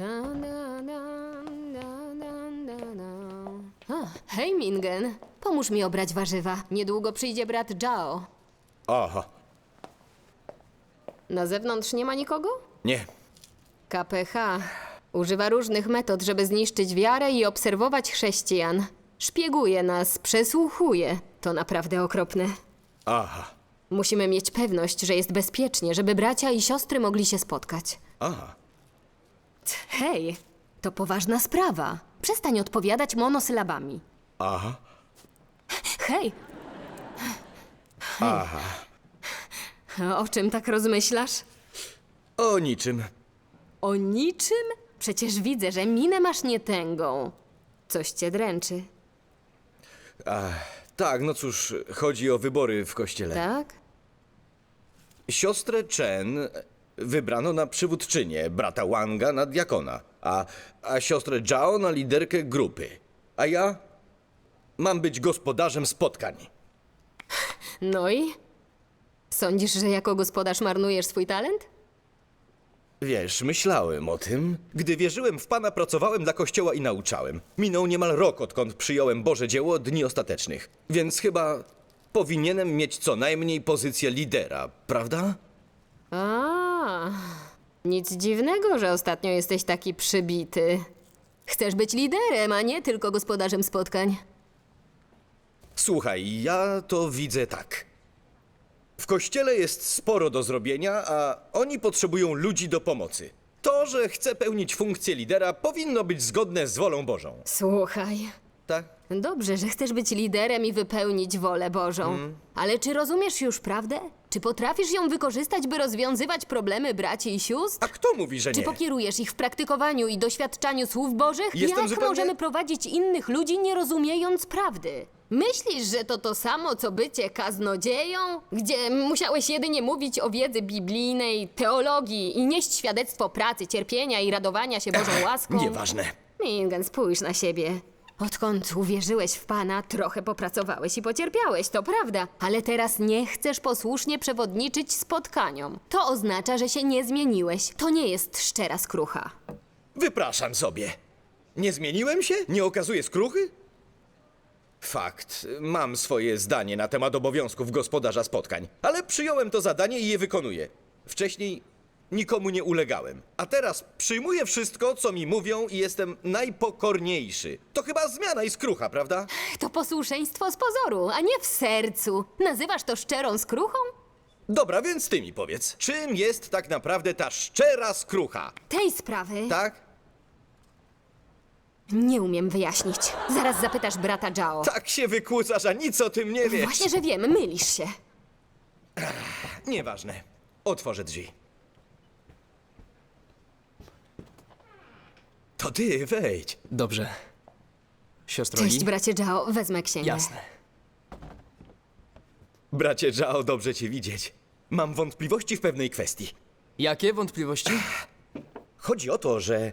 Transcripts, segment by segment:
Hej, Mingen. Pomóż mi obrać warzywa. Niedługo przyjdzie brat Jao. Aha, Na zewnątrz nie ma nikogo? nie. KPH używa różnych metod, żeby zniszczyć wiarę i obserwować chrześcijan. Szpieguje nas, przesłuchuje. To naprawdę okropne. Aha, Musimy mieć pewność, że jest bezpiecznie, żeby bracia i siostry mogli się spotkać. aha. Hej, to poważna sprawa. Przestań odpowiadać monosylabami. Aha, Hej, aha. o czym tak rozmyślasz? O niczym. O niczym? Przecież widzę, że minę masz nietęgą. Coś cię dręczy, Tak, no cóż, chodzi o wybory w kościele. tak? Siostrę Chen wybrano na przywódczynię, brata Wanga na diakona, a siostrę Zhao na liderkę grupy. A ja mam być gospodarzem spotkań. No i? Sądzisz, że jako gospodarz marnujesz swój talent? Wiesz, myślałem o tym. Gdy wierzyłem w Pana, pracowałem dla Kościoła i nauczałem. Minął niemal rok, odkąd przyjąłem Boże dzieło Dni Ostatecznych. Więc chyba powinienem mieć co najmniej pozycję lidera, prawda? Nic dziwnego, że ostatnio jesteś taki przybity. Chcesz być liderem, a nie tylko gospodarzem spotkań. Słuchaj, ja to widzę tak. W Kościele jest sporo do zrobienia, a oni potrzebują ludzi do pomocy. To, że chcę pełnić funkcję lidera, powinno być zgodne z wolą Bożą. Słuchaj, Tak? dobrze, że chcesz być liderem i wypełnić wolę Bożą. Ale czy rozumiesz już prawdę? Czy potrafisz ją wykorzystać, by rozwiązywać problemy braci i sióstr? A kto mówi, że Czy nie? pokierujesz ich w praktykowaniu i doświadczaniu słów Bożych? Jestem Jak zupełnie- możemy prowadzić innych ludzi, nie rozumiejąc prawdy? Myślisz, że to samo, co bycie kaznodzieją? Gdzie musiałeś jedynie mówić o wiedzy biblijnej, teologii i nieść świadectwo pracy, cierpienia i radowania się Bożą łaską? Nieważne. Mingen, spójrz na siebie. Odkąd uwierzyłeś w Pana, trochę popracowałeś i pocierpiałeś, to prawda. Ale teraz nie chcesz posłusznie przewodniczyć spotkaniom. To oznacza, że się nie zmieniłeś. To nie jest szczera skrucha. Wypraszam sobie. Nie zmieniłem się? Nie okazuję skruchy? Fakt, mam swoje zdanie na temat obowiązków gospodarza spotkań, ale przyjąłem to zadanie i je wykonuję. Wcześniej nikomu nie ulegałem, a teraz przyjmuję wszystko, co mi mówią i jestem najpokorniejszy. To chyba zmiana i skrucha, prawda? To posłuszeństwo z pozoru, a nie w sercu. Nazywasz to szczerą skruchą? Dobra, więc ty mi powiedz, czym jest tak naprawdę ta szczera skrucha? Tej sprawy Tak? nie umiem wyjaśnić. Zaraz zapytasz brata Jao. Tak się wykłócasz, a nic o tym nie wiesz. Właśnie, że wiem, mylisz się. Nieważne. Otworzę drzwi. To ty, wejdź. Dobrze. Siostro Li? Cześć, bracie Jao, wezmę księgę. Jasne. Bracie Zhao, dobrze cię widzieć. Mam wątpliwości w pewnej kwestii. Jakie wątpliwości? Chodzi o to, że...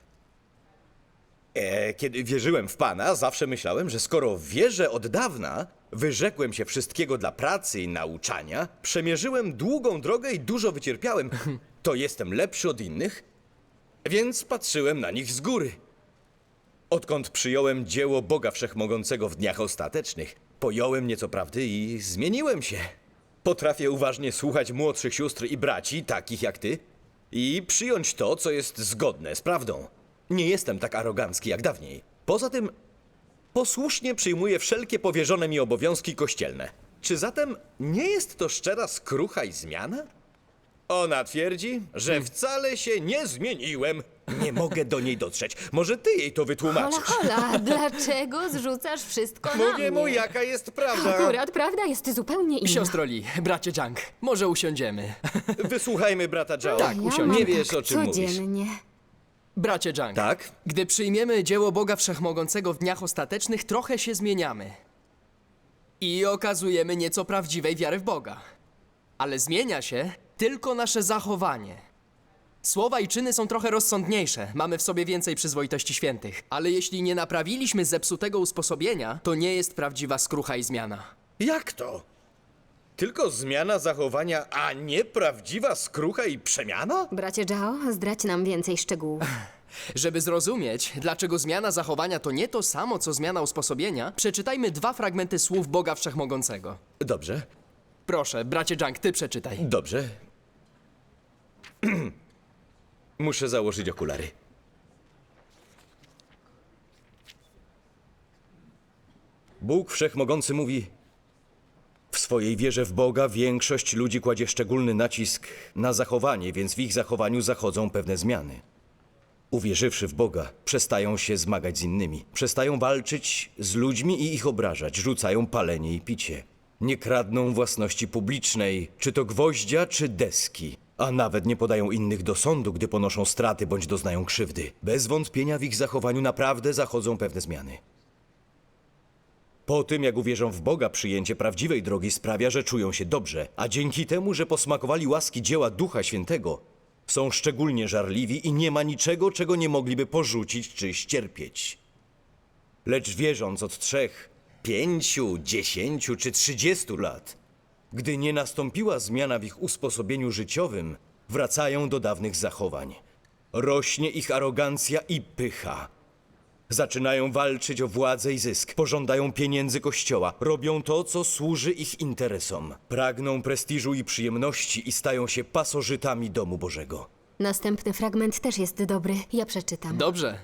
kiedy wierzyłem w Pana, zawsze myślałem, że skoro wierzę od dawna, wyrzekłem się wszystkiego dla pracy i nauczania, przemierzyłem długą drogę i dużo wycierpiałem, to jestem lepszy od innych, więc patrzyłem na nich z góry. Odkąd przyjąłem dzieło Boga Wszechmogącego w dniach ostatecznych, pojąłem nieco prawdy i zmieniłem się. Potrafię uważnie słuchać młodszych sióstr i braci, takich jak ty, i przyjąć to, co jest zgodne z prawdą. Nie jestem tak arogancki jak dawniej. Poza tym, posłusznie przyjmuję wszelkie powierzone mi obowiązki kościelne. Czy zatem nie jest to szczera skrucha i zmiana? Ona twierdzi, że wcale się nie zmieniłem. Nie mogę do niej dotrzeć. Może ty jej to Hola, wytłumaczysz. hola, dlaczego zrzucasz wszystko na Mówię mu, mnie? jaka jest prawda. Akurat prawda jest zupełnie inna. Siostro Li, bracie Jang, może usiądziemy. Wysłuchajmy brata Zhao. Tak, Ja usiądź. mam Nie wiesz, tak o czym mówisz. codziennie. Bracie Jang, Tak? gdy przyjmiemy dzieło Boga Wszechmogącego w dniach ostatecznych, trochę się zmieniamy. I okazujemy nieco prawdziwej wiary w Boga. Ale zmienia się tylko nasze zachowanie. Słowa i czyny są trochę rozsądniejsze, mamy w sobie więcej przyzwoitości świętych. Ale jeśli nie naprawiliśmy zepsutego usposobienia, to nie jest prawdziwa skrucha i zmiana. Jak to? Tylko zmiana zachowania, a nie prawdziwa skrucha i przemiana? Bracie Jao, zdradź nam więcej szczegółów. Żeby zrozumieć, dlaczego zmiana zachowania to nie to samo, co zmiana usposobienia, przeczytajmy 2 fragmenty słów Boga Wszechmogącego. Dobrze, Proszę, bracie Junk, ty przeczytaj. dobrze. Muszę założyć okulary. Bóg Wszechmogący mówi: w swojej wierze w Boga większość ludzi kładzie szczególny nacisk na zachowanie, więc w ich zachowaniu zachodzą pewne zmiany. Uwierzywszy w Boga, przestają się zmagać z innymi, przestają walczyć z ludźmi i ich obrażać, rzucają palenie i picie. Nie kradną własności publicznej, czy to gwoździa, czy deski, a nawet nie podają innych do sądu, gdy ponoszą straty bądź doznają krzywdy. Bez wątpienia w ich zachowaniu naprawdę zachodzą pewne zmiany. Po tym, jak uwierzą w Boga, przyjęcie prawdziwej drogi sprawia, że czują się dobrze, a dzięki temu, że posmakowali łaski dzieła Ducha Świętego, są szczególnie żarliwi i nie ma niczego, czego nie mogliby porzucić czy ścierpieć. Lecz wierząc od 3, 5, 10 czy 30 lat, gdy nie nastąpiła zmiana w ich usposobieniu życiowym, wracają do dawnych zachowań. Rośnie ich arogancja i pycha. Zaczynają walczyć o władzę i zysk, pożądają pieniędzy Kościoła, robią to, co służy ich interesom. Pragną prestiżu i przyjemności i stają się pasożytami domu Bożego. Następny fragment też jest dobry. Ja przeczytam. Dobrze.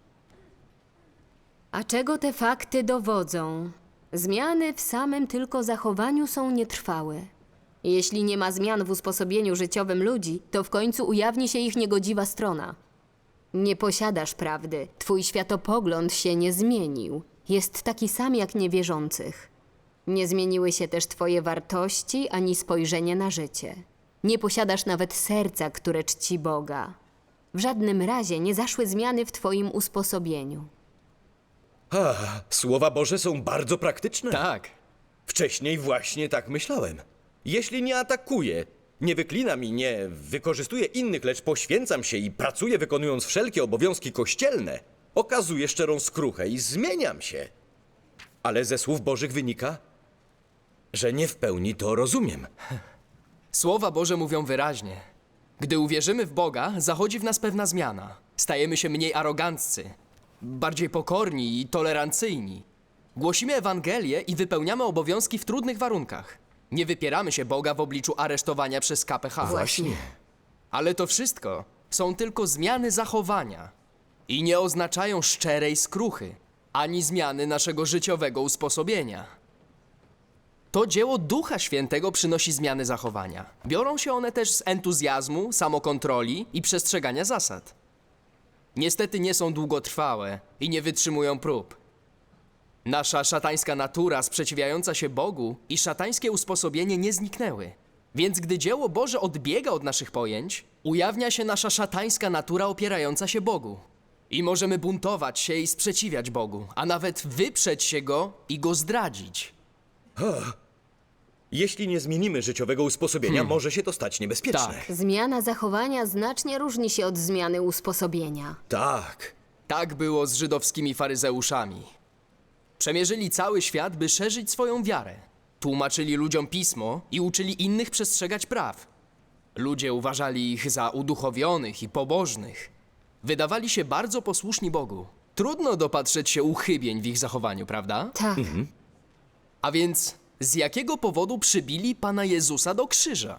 A czego te fakty dowodzą? Zmiany w samym tylko zachowaniu są nietrwałe. Jeśli nie ma zmian w usposobieniu życiowym ludzi, to w końcu ujawni się ich niegodziwa strona. Nie posiadasz prawdy. Twój światopogląd się nie zmienił. Jest taki sam jak niewierzących. Nie zmieniły się też twoje wartości ani spojrzenie na życie. Nie posiadasz nawet serca, które czci Boga. W żadnym razie nie zaszły zmiany w twoim usposobieniu. Słowa Boże są bardzo praktyczne. Tak. Wcześniej właśnie tak myślałem. Jeśli nie atakuję, nie wyklinam i nie wykorzystuję innych, lecz poświęcam się i pracuję wykonując wszelkie obowiązki kościelne, okazuję szczerą skruchę i zmieniam się. Ale ze słów Bożych wynika, że nie w pełni to rozumiem. Słowa Boże mówią wyraźnie. Gdy uwierzymy w Boga, zachodzi w nas pewna zmiana. Stajemy się mniej aroganccy, bardziej pokorni i tolerancyjni. Głosimy Ewangelię i wypełniamy obowiązki w trudnych warunkach. Nie wypieramy się Boga w obliczu aresztowania przez KPH. Właśnie. Ale to wszystko są tylko zmiany zachowania i nie oznaczają szczerej skruchy, ani zmiany naszego życiowego usposobienia. To dzieło Ducha Świętego przynosi zmiany zachowania. Biorą się one też z entuzjazmu, samokontroli i przestrzegania zasad. Niestety nie są długotrwałe i nie wytrzymują prób. Nasza szatańska natura sprzeciwiająca się Bogu i szatańskie usposobienie nie zniknęły. Więc gdy dzieło Boże odbiega od naszych pojęć, ujawnia się nasza szatańska natura opierająca się Bogu. I możemy buntować się i sprzeciwiać Bogu, a nawet wyprzeć się Go i Go zdradzić. Jeśli nie zmienimy życiowego usposobienia, może się to stać niebezpieczne. Tak. Zmiana zachowania znacznie różni się od zmiany usposobienia. Tak. Tak było z żydowskimi faryzeuszami. Przemierzyli cały świat, by szerzyć swoją wiarę. Tłumaczyli ludziom pismo i uczyli innych przestrzegać praw. Ludzie uważali ich za uduchowionych i pobożnych. Wydawali się bardzo posłuszni Bogu. Trudno dopatrzeć się uchybień w ich zachowaniu, prawda? Tak. A więc z jakiego powodu przybili Pana Jezusa do krzyża?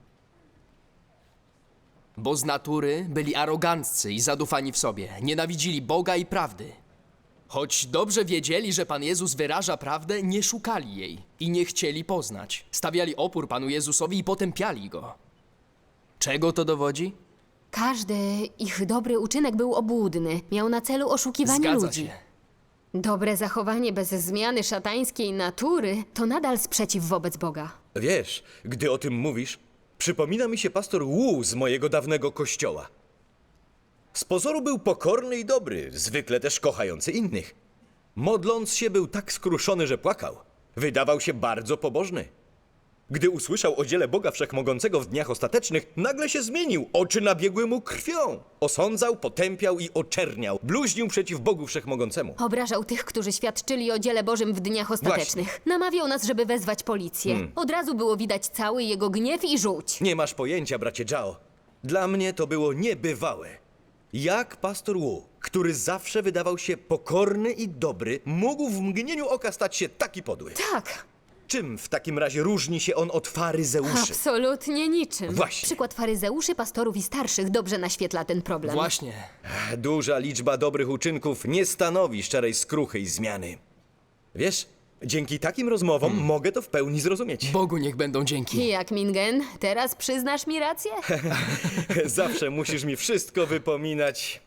Bo z natury byli aroganccy i zadufani w sobie, nienawidzili Boga i prawdy. Choć dobrze wiedzieli, że Pan Jezus wyraża prawdę, nie szukali jej i nie chcieli poznać. Stawiali opór Panu Jezusowi i potępiali Go. Czego to dowodzi? Każdy ich dobry uczynek był obłudny. Miał na celu oszukiwanie Zgadza ludzi. się. Dobre zachowanie bez zmiany szatańskiej natury to nadal sprzeciw wobec Boga. Wiesz, gdy o tym mówisz, przypomina mi się pastor Wu z mojego dawnego kościoła. Z pozoru był pokorny i dobry, zwykle też kochający innych. Modląc się, był tak skruszony, że płakał. Wydawał się bardzo pobożny. Gdy usłyszał o dziele Boga Wszechmogącego w dniach ostatecznych, nagle się zmienił. Oczy nabiegły mu krwią. Osądzał, potępiał i oczerniał. Bluźnił przeciw Bogu Wszechmogącemu. Obrażał tych, którzy świadczyli o dziele Bożym w dniach ostatecznych. Namawiał nas, żeby wezwać policję. Od razu było widać cały jego gniew i żółć. Nie masz pojęcia, bracie Zhao. Dla mnie to było niebywałe. Jak pastor Wu, który zawsze wydawał się pokorny i dobry, mógł w mgnieniu oka stać się taki podły? Tak, Czym w takim razie różni się on od faryzeuszy? absolutnie niczym. Właśnie. Przykład faryzeuszy, pastorów i starszych dobrze naświetla ten problem. Właśnie. Duża liczba dobrych uczynków nie stanowi szczerej skruchy i zmiany. Wiesz, dzięki takim rozmowom mogę to w pełni zrozumieć. Bogu niech będą dzięki. Jak Mingen, teraz przyznasz mi rację? Zawsze musisz mi wszystko wypominać.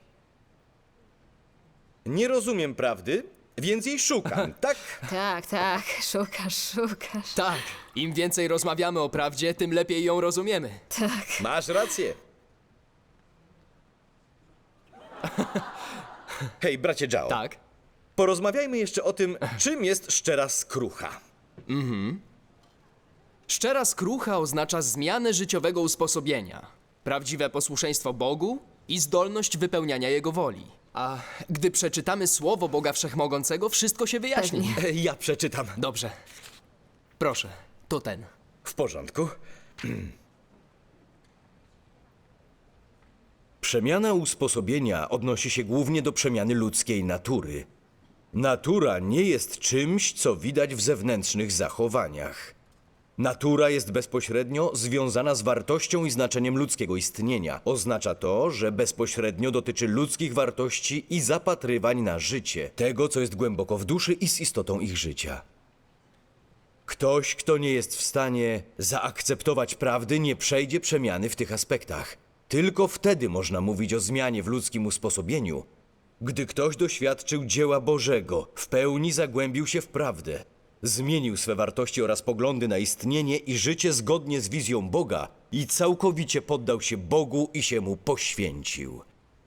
Nie rozumiem prawdy, więc jej szukam, tak? Tak, szukasz. Tak, im więcej rozmawiamy o prawdzie, tym lepiej ją rozumiemy. Tak. Masz rację. Hej, bracie Zhao. Tak? Porozmawiajmy jeszcze o tym, czym jest szczera skrucha. Szczera skrucha oznacza zmianę życiowego usposobienia, prawdziwe posłuszeństwo Bogu i zdolność wypełniania Jego woli. A gdy przeczytamy Słowo Boga Wszechmogącego, wszystko się wyjaśni. Pewnie. Ja przeczytam. Dobrze. Proszę, to ten. W porządku. Przemiana usposobienia odnosi się głównie do przemiany ludzkiej natury. Natura nie jest czymś, co widać w zewnętrznych zachowaniach. Natura jest bezpośrednio związana z wartością i znaczeniem ludzkiego istnienia. Oznacza to, że bezpośrednio dotyczy ludzkich wartości i zapatrywań na życie, tego, co jest głęboko w duszy i z istotą ich życia. Ktoś, kto nie jest w stanie zaakceptować prawdy, nie przejdzie przemiany w tych aspektach. Tylko wtedy można mówić o zmianie w ludzkim usposobieniu, gdy ktoś doświadczył dzieła Bożego, w pełni zagłębił się w prawdę, zmienił swe wartości oraz poglądy na istnienie i życie zgodnie z wizją Boga i całkowicie poddał się Bogu i się Mu poświęcił.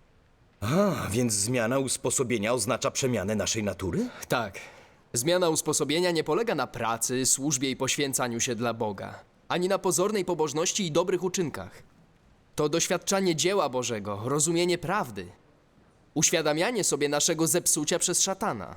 A, więc zmiana usposobienia oznacza przemianę naszej natury? Tak. Zmiana usposobienia nie polega na pracy, służbie i poświęcaniu się dla Boga, ani na pozornej pobożności i dobrych uczynkach. To doświadczanie dzieła Bożego, rozumienie prawdy, uświadamianie sobie naszego zepsucia przez szatana,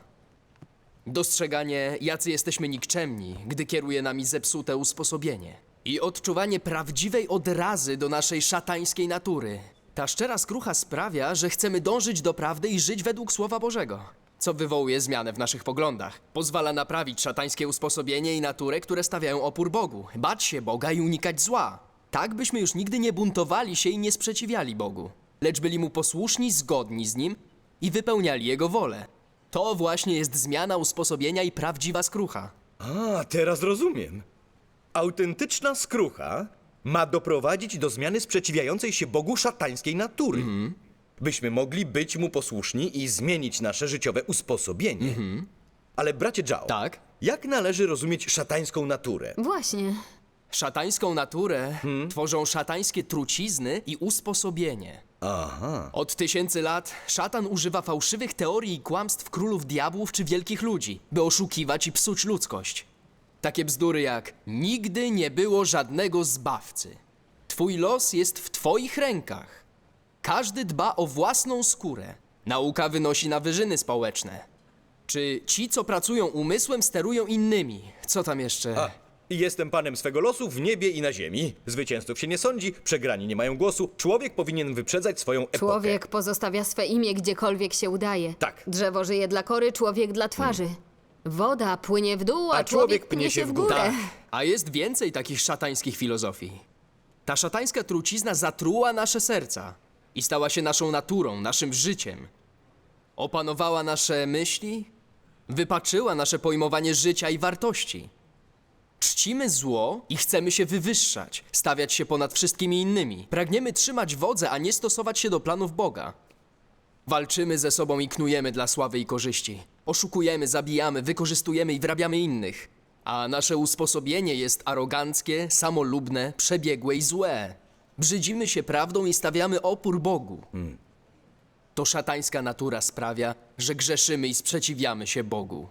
dostrzeganie, jacy jesteśmy nikczemni, gdy kieruje nami zepsute usposobienie i odczuwanie prawdziwej odrazy do naszej szatańskiej natury. Ta szczera skrucha sprawia, że chcemy dążyć do prawdy i żyć według Słowa Bożego, co wywołuje zmianę w naszych poglądach. Pozwala naprawić szatańskie usposobienie i naturę, które stawiają opór Bogu, bać się Boga i unikać zła. Tak byśmy już nigdy nie buntowali się i nie sprzeciwiali Bogu, lecz byli Mu posłuszni, zgodni z Nim i wypełniali Jego wolę. To właśnie jest zmiana usposobienia i prawdziwa skrucha. A, teraz rozumiem. Autentyczna skrucha ma doprowadzić do zmiany sprzeciwiającej się Bogu szatańskiej natury. Byśmy mogli być Mu posłuszni i zmienić nasze życiowe usposobienie. Ale bracie Zhao, Tak? jak należy rozumieć szatańską naturę? Właśnie. Szatańską naturę tworzą szatańskie trucizny i usposobienie. Aha. Od tysięcy lat szatan używa fałszywych teorii i kłamstw królów diabłów czy wielkich ludzi, by oszukiwać i psuć ludzkość. Takie bzdury jak nigdy nie było żadnego zbawcy. Twój los jest w twoich rękach. Każdy dba o własną skórę. Nauka wynosi na wyżyny społeczne. Czy ci, co pracują umysłem, sterują innymi? Co tam jeszcze? A, jestem panem swego losu w niebie i na ziemi. Zwycięzców się nie sądzi, przegrani nie mają głosu. Człowiek powinien wyprzedzać swoją epokę. Człowiek pozostawia swe imię gdziekolwiek się udaje. Tak. Drzewo żyje dla kory, człowiek dla twarzy. Woda płynie w dół, a człowiek pnie się w górę. Tak, a jest więcej takich szatańskich filozofii. Ta szatańska trucizna zatruła nasze serca i stała się naszą naturą, naszym życiem. Opanowała nasze myśli, wypaczyła nasze pojmowanie życia i wartości. Czcimy zło i chcemy się wywyższać, stawiać się ponad wszystkimi innymi. Pragniemy trzymać wodze, a nie stosować się do planów Boga. Walczymy ze sobą i knujemy dla sławy i korzyści. Oszukujemy, zabijamy, wykorzystujemy i wrabiamy innych. A nasze usposobienie jest aroganckie, samolubne, przebiegłe i złe. Brzydzimy się prawdą i stawiamy opór Bogu. To szatańska natura sprawia, że grzeszymy i sprzeciwiamy się Bogu.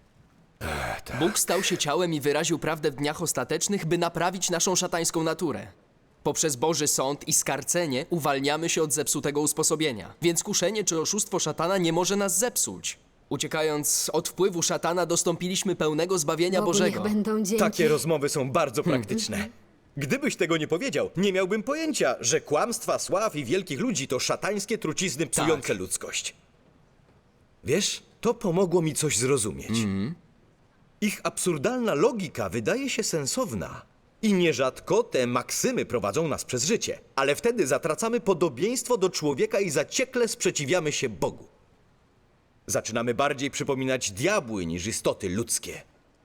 Bóg stał się ciałem i wyraził prawdę w dniach ostatecznych, by naprawić naszą szatańską naturę. Poprzez Boży sąd i skarcenie uwalniamy się od zepsutego usposobienia, więc kuszenie czy oszustwo szatana nie może nas zepsuć. Uciekając od wpływu szatana, dostąpiliśmy pełnego zbawienia Bogu Bożego. niech będą dzięki. Takie rozmowy są bardzo praktyczne. Gdybyś tego nie powiedział, nie miałbym pojęcia, że kłamstwa sław i wielkich ludzi to szatańskie trucizny psujące ludzkość. Wiesz, to pomogło mi coś zrozumieć. Ich absurdalna logika wydaje się sensowna. I nierzadko te maksymy prowadzą nas przez życie. Ale wtedy zatracamy podobieństwo do człowieka i zaciekle sprzeciwiamy się Bogu. Zaczynamy bardziej przypominać diabły niż istoty ludzkie.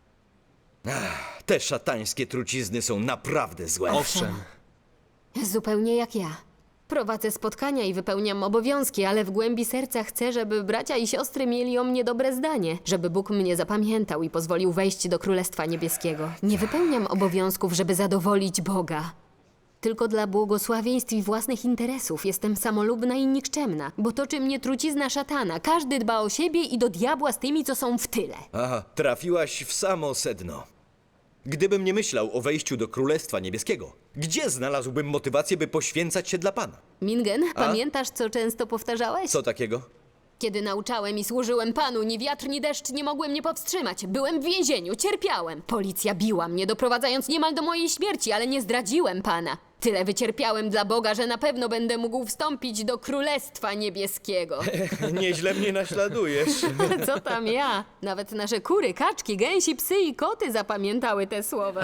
Te szatańskie trucizny są naprawdę złe. Owszem. Zupełnie jak ja. Prowadzę spotkania i wypełniam obowiązki, ale w głębi serca chcę, żeby bracia i siostry mieli o mnie dobre zdanie, żeby Bóg mnie zapamiętał i pozwolił wejść do Królestwa Niebieskiego. Nie wypełniam obowiązków, żeby zadowolić Boga. Tylko dla błogosławieństw i własnych interesów jestem samolubna i nikczemna, bo toczy mnie trucizna szatana. Każdy dba o siebie i do diabła z tymi, co są w tyle. Aha, trafiłaś w samo sedno. Gdybym nie myślał o wejściu do Królestwa Niebieskiego, gdzie znalazłbym motywację, by poświęcać się dla Pana? Mingen, pamiętasz, co często powtarzałeś? Co takiego? Kiedy nauczałem i służyłem Panu, ni wiatr, ni deszcz nie mogły mnie powstrzymać. Byłem w więzieniu, cierpiałem. Policja biła mnie, doprowadzając niemal do mojej śmierci, ale nie zdradziłem Pana. Tyle wycierpiałem dla Boga, że na pewno będę mógł wstąpić do Królestwa Niebieskiego. Nieźle mnie naśladujesz. Co tam ja? Nawet nasze kury, kaczki, gęsi, psy i koty zapamiętały te słowa.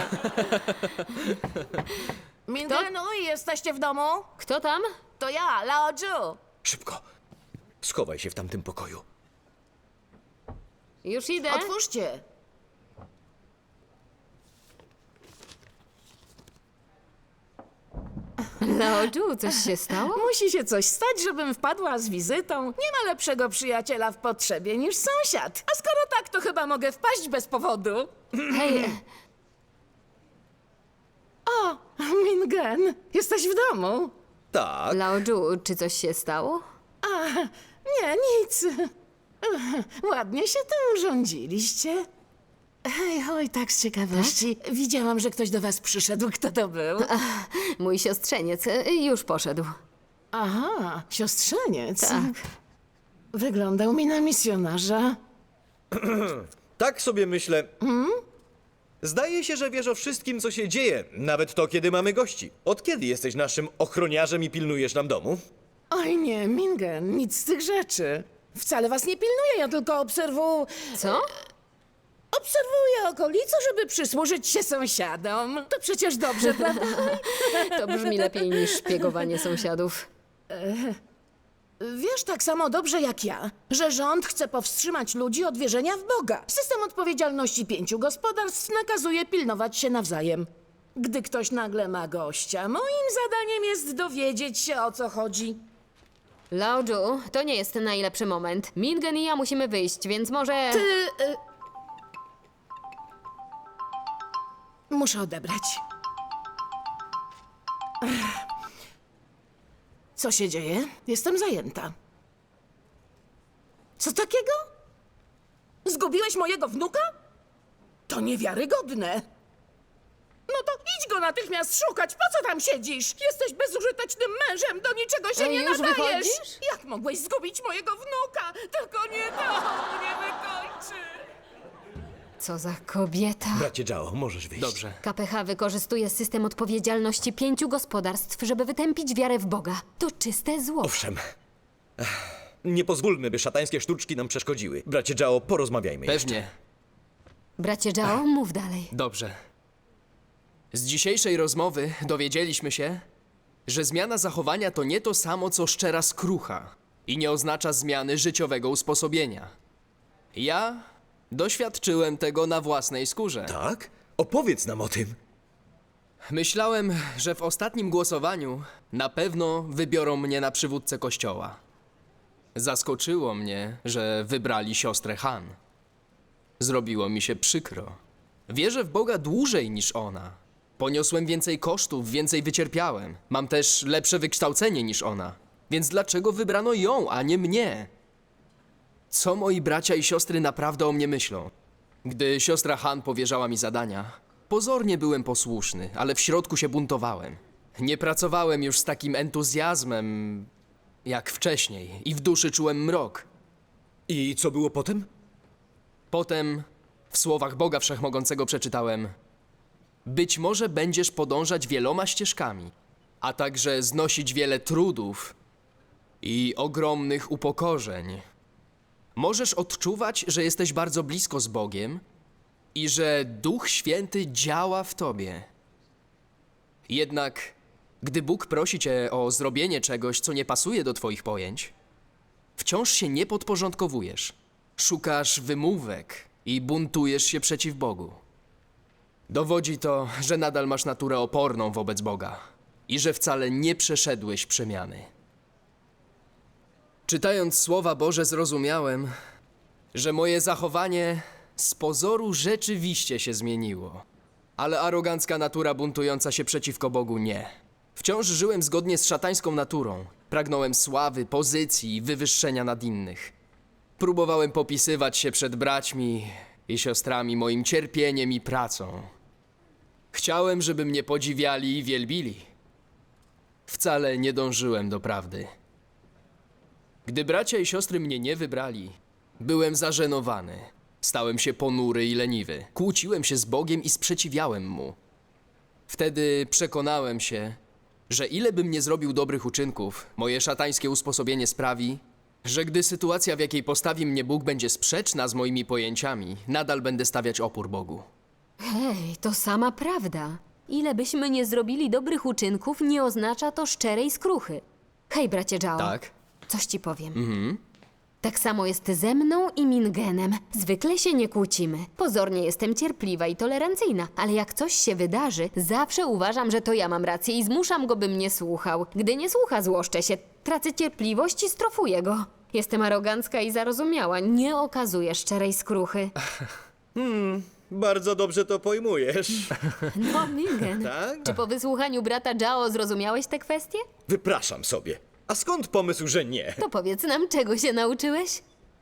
Mingenu, jesteście w domu? Kto tam? To ja, Lao Ju. Szybko. Schowaj się w tamtym pokoju. Już idę. Otwórzcie. Laodżu, coś się stało? Musi się coś stać, żebym wpadła z wizytą. Nie ma lepszego przyjaciela w potrzebie niż sąsiad. A skoro tak, to chyba mogę wpaść bez powodu. Hej, O, Mingen, jesteś w domu? Tak. Laodżu, czy coś się stało? A, nie, nic. Ładnie się tym urządziliście. Hej, oj, tak z ciekawości. Widziałam, że ktoś do was przyszedł. Kto to był? Mój siostrzeniec już poszedł. Aha, siostrzeniec. Tak. Wyglądał mi na misjonarza. Tak sobie myślę. Zdaje się, że wiesz o wszystkim, co się dzieje, nawet to, kiedy mamy gości. Od kiedy jesteś naszym ochroniarzem i pilnujesz nam domu? Oj nie, Mingen, nic z tych rzeczy. Wcale was nie pilnuję, ja tylko Co? obserwuję okolicę, żeby przysłużyć się sąsiadom. To przecież dobrze, prawda? To brzmi lepiej niż szpiegowanie sąsiadów. Wiesz tak samo dobrze jak ja, że rząd chce powstrzymać ludzi od wierzenia w Boga. System odpowiedzialności 5 gospodarstw nakazuje pilnować się nawzajem. Gdy ktoś nagle ma gościa, moim zadaniem jest dowiedzieć się, o co chodzi. Laodżu, to nie jest najlepszy moment. Mingen i ja musimy wyjść, więc może... Muszę odebrać. Co się dzieje? Jestem zajęta. Co takiego? Zgubiłeś mojego wnuka? To niewiarygodne. No to idź go natychmiast szukać. Po co tam siedzisz? Jesteś bezużytecznym mężem, do niczego się nie Już nadajesz. wychodzisz? Jak mogłeś zgubić mojego wnuka? Tylko nie to mnie wykończy. Co za kobieta. Bracie Jao, możesz wyjść. Dobrze. KPH wykorzystuje system odpowiedzialności 5 gospodarstw, żeby wytępić wiarę w Boga. To czyste zło. Owszem. Nie pozwólmy, by szatańskie sztuczki nam przeszkodziły. Bracie Jao, porozmawiajmy jeszcze. Pewnie. Bracie Jao, mów dalej. Dobrze. Z dzisiejszej rozmowy dowiedzieliśmy się, że zmiana zachowania to nie to samo, co szczera skrucha i nie oznacza zmiany życiowego usposobienia. Ja doświadczyłem tego na własnej skórze. Tak? Opowiedz nam o tym. Myślałem, że w ostatnim głosowaniu na pewno wybiorą mnie na przywódcę kościoła. Zaskoczyło mnie, że wybrali siostrę Han. Zrobiło mi się przykro. Wierzę w Boga dłużej niż ona. Poniosłem więcej kosztów, więcej wycierpiałem. Mam też lepsze wykształcenie niż ona. Więc dlaczego wybrano ją, a nie mnie? Co moi bracia i siostry naprawdę o mnie myślą? Gdy siostra Han powierzała mi zadania, pozornie byłem posłuszny, ale w środku się buntowałem. Nie pracowałem już z takim entuzjazmem jak wcześniej i w duszy czułem mrok. I co było potem? Potem w słowach Boga Wszechmogącego przeczytałem: być może będziesz podążać wieloma ścieżkami, a także znosić wiele trudów i ogromnych upokorzeń. Możesz odczuwać, że jesteś bardzo blisko z Bogiem i że Duch Święty działa w tobie. Jednak, gdy Bóg prosi cię o zrobienie czegoś, co nie pasuje do twoich pojęć, wciąż się nie podporządkowujesz. Szukasz wymówek i buntujesz się przeciw Bogu. Dowodzi to, że nadal masz naturę oporną wobec Boga i że wcale nie przeszedłeś przemiany. Czytając Słowa Boże zrozumiałem, że moje zachowanie z pozoru rzeczywiście się zmieniło, ale arogancka natura buntująca się przeciwko Bogu nie. Wciąż żyłem zgodnie z szatańską naturą. Pragnąłem sławy, pozycji i wywyższenia nad innych. Próbowałem popisywać się przed braćmi i siostrami moim cierpieniem i pracą. Chciałem, żeby mnie podziwiali i wielbili. Wcale nie dążyłem do prawdy. Gdy bracia i siostry mnie nie wybrali, byłem zażenowany. Stałem się ponury i leniwy. Kłóciłem się z Bogiem i sprzeciwiałem Mu. Wtedy przekonałem się, że ile bym nie zrobił dobrych uczynków, moje szatańskie usposobienie sprawi, że gdy sytuacja, w jakiej postawi mnie Bóg, będzie sprzeczna z moimi pojęciami, nadal będę stawiać opór Bogu. Hej, to sama prawda. Ile byśmy nie zrobili dobrych uczynków, nie oznacza to szczerej skruchy. Hej, bracie Zhao. Tak? Coś ci powiem. Tak samo jest ze mną i Mingenem. Zwykle się nie kłócimy. Pozornie jestem cierpliwa i tolerancyjna, ale jak coś się wydarzy, zawsze uważam, że to ja mam rację i zmuszam go, by mnie słuchał. Gdy nie słucha, złoszczę się, tracę cierpliwość i strofuję go. Jestem arogancka i zarozumiała, nie okazuję szczerej skruchy. Bardzo dobrze to pojmujesz. No, Mingen. Tak? Czy po wysłuchaniu brata Zhao zrozumiałeś tę kwestię? Wypraszam sobie. A skąd pomysł, że nie? To powiedz nam, czego się nauczyłeś?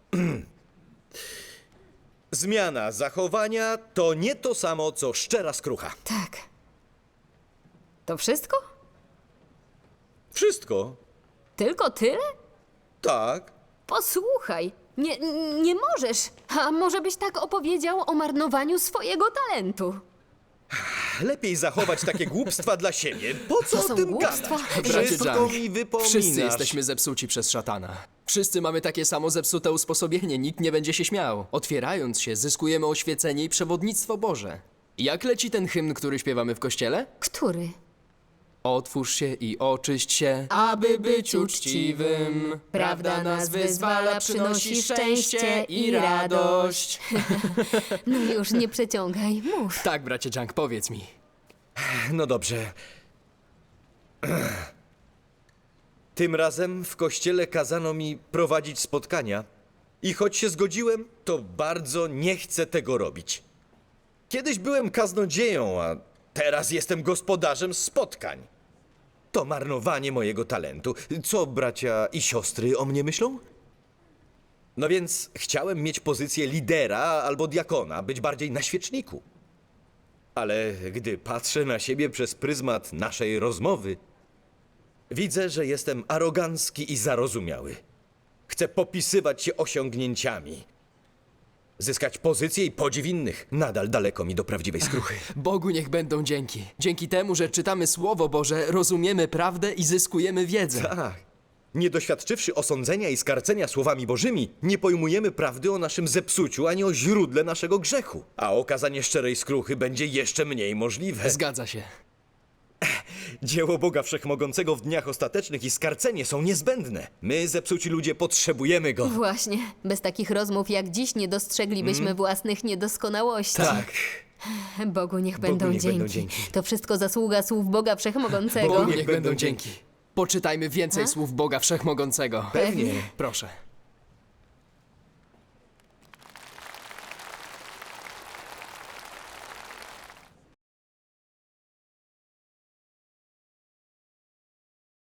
Zmiana zachowania to nie to samo, co szczera skrucha. Tak. To wszystko? Wszystko. Tylko tyle? Tak. Posłuchaj, nie możesz. A może byś tak opowiedział o marnowaniu swojego talentu? Lepiej zachować takie głupstwa dla siebie. Po co To o są tym głupstwa? gadać? Bracie Wszystko Zhang, mi wypominasz. Wszyscy jesteśmy zepsuci przez szatana. Wszyscy mamy takie samo zepsute usposobienie, nikt nie będzie się śmiał. Otwierając się, zyskujemy oświecenie i przewodnictwo Boże. Jak leci ten hymn, który śpiewamy w kościele? Który? Otwórz się i oczyść się, aby być uczciwym. Prawda nas wyzwala, przynosi szczęście i radość. No już nie przeciągaj, mów. Tak, bracie Zhang, powiedz mi. No dobrze. Tym razem w kościele kazano mi prowadzić spotkania i choć się zgodziłem, to bardzo nie chcę tego robić. Kiedyś byłem kaznodzieją, a teraz jestem gospodarzem spotkań. To marnowanie mojego talentu. Co bracia i siostry o mnie myślą? No więc chciałem mieć pozycję lidera albo diakona, być bardziej na świeczniku. Ale gdy patrzę na siebie przez pryzmat naszej rozmowy, widzę, że jestem arogancki i zarozumiały. Chcę popisywać się osiągnięciami. Zyskać pozycję i podziw innych. Nadal daleko mi do prawdziwej skruchy. Bogu niech będą dzięki. Dzięki temu, że czytamy Słowo Boże, rozumiemy prawdę i zyskujemy wiedzę. Tak. Nie doświadczywszy osądzenia i skarcenia słowami bożymi, nie pojmujemy prawdy o naszym zepsuciu ani o źródle naszego grzechu. A okazanie szczerej skruchy będzie jeszcze mniej możliwe. Zgadza się. Dzieło Boga Wszechmogącego w dniach ostatecznych i skarcenie są niezbędne. My, zepsuci ludzie, potrzebujemy Go. Właśnie, bez takich rozmów jak dziś nie dostrzeglibyśmy własnych niedoskonałości. Tak. Bogu niech Bogu będą niech będą dzięki. dzięki. To wszystko zasługa słów Boga Wszechmogącego. Bogu niech będą dzięki. Poczytajmy więcej słów Boga Wszechmogącego. Pewnie. Proszę.